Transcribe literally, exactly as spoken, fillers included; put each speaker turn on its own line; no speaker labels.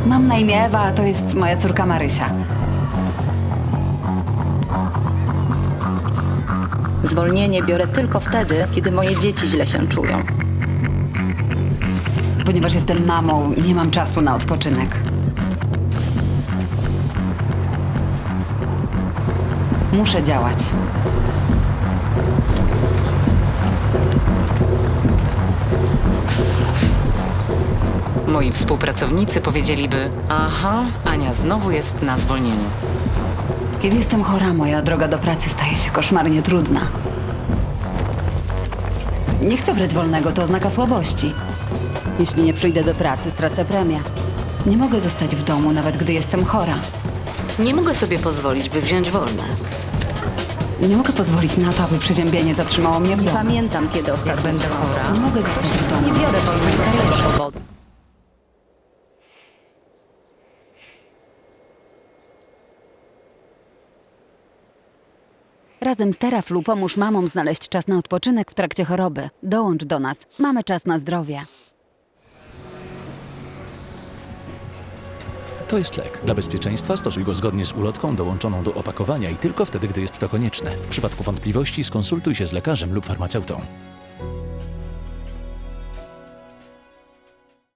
Mam na imię Ewa, a to jest moja córka Marysia.
Zwolnienie biorę tylko wtedy, kiedy moje dzieci źle się czują.
Ponieważ jestem mamą, nie mam czasu na odpoczynek. Muszę działać.
Moi współpracownicy powiedzieliby: aha, Ania znowu jest na zwolnieniu.
Kiedy jestem chora, moja droga do pracy staje się koszmarnie trudna. Nie chcę brać wolnego, to oznaka słabości. Jeśli nie przyjdę do pracy, stracę premię. Nie mogę zostać w domu, nawet gdy jestem chora.
Nie mogę sobie pozwolić, by wziąć wolne.
Nie mogę pozwolić na to, aby przeziębienie zatrzymało mnie w
Nie
domu.
pamiętam, kiedy ostatnio
będę
byłam.
chora,
Nie mogę zostać w domu.
Nie biorę wolnego z tego powodu.
Razem z Teraflu pomóż mamom znaleźć czas na odpoczynek w trakcie choroby. Dołącz do nas. Mamy czas na zdrowie.
To jest lek. Dla bezpieczeństwa stosuj go zgodnie z ulotką dołączoną do opakowania i tylko wtedy, gdy jest to konieczne. W przypadku wątpliwości skonsultuj się z lekarzem lub farmaceutą.